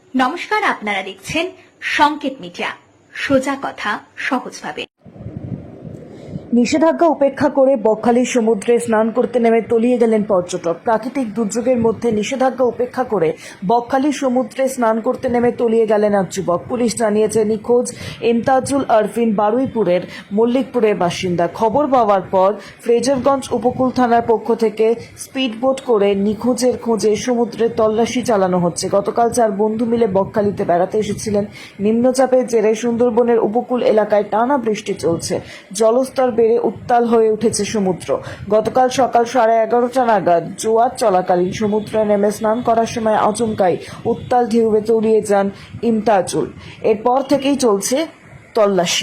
নমস্কার, আপনারা দেখছেন সংকেত মিডিয়া, সোজা কথা সহজভাবে। নিষেধাজ্ঞা উপেক্ষা করে বকখালির সমুদ্রে স্নান করতে নেমে তলিয়ে গেলেন পর্যটক। প্রাকৃতিক দুর্যোগের মধ্যে নিষেধাজ্ঞা উপেক্ষা করে বকখালির সমুদ্রে স্নান করতে নেমে তলিয়ে গেলেন এক যুবক। পুলিশ জানিয়েছে নিখোঁজ ইমতাজুল আরফিন বারুইপুরের মল্লিকপুরের বাসিন্দা। খবর পাওয়ার পর ফ্রেজারগঞ্জ উপকূল থানার পক্ষ থেকে স্পিডবোট করে নিখোঁজের খোঁজে সমুদ্রে তল্লাশি চালানো হচ্ছে। গতকাল 4 বন্ধু মিলে বকখালিতে বেড়াতে এসেছিলেন। নিম্নচাপের জেরে সুন্দরবনের উপকূল এলাকায় টানা বৃষ্টি চলছে। জলস্তর বেড়ে উত্তাল হয়ে উঠেছে সমুদ্র। গতকাল সকাল 11:30 নাগাদ জোয়ার চলাকালীন সমুদ্রে নেমে স্নান করার সময় আচমকাই উত্তাল ঢেউয়ে তলিয়ে যান ইমতাজুল। এরপর থেকেই চলছে তল্লাশি।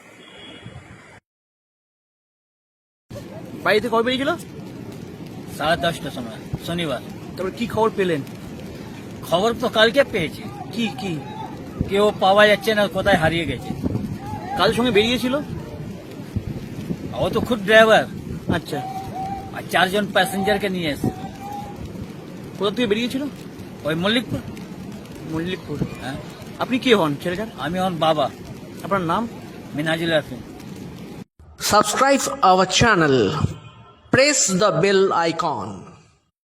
বাড়িতে কবে বেরিয়েছিল? 10:30টার সময় শনিবার। তারপর কি খবর পেলেন? খবর তো কালকে পেয়েছি, কি কি কেউ পাওয়া যাচ্ছে না, কোথায় হারিয়ে গেছে। কার সঙ্গে বেরিয়েছিল? ও তো খুব ড্রাইভার আচ্ছা, আর 4 জন প্যাসেঞ্জারকে নিয়ে এসে। কোথা থেকে বেরিয়েছিল? ওই মল্লিকপুর। মল্লিকপুর। হ্যাঁ, আপনি কে হন ছেলেটার? আমি হন বাবা, আপনার নাম? Minajul Arfin. Subscribe our channel. Press the bell icon.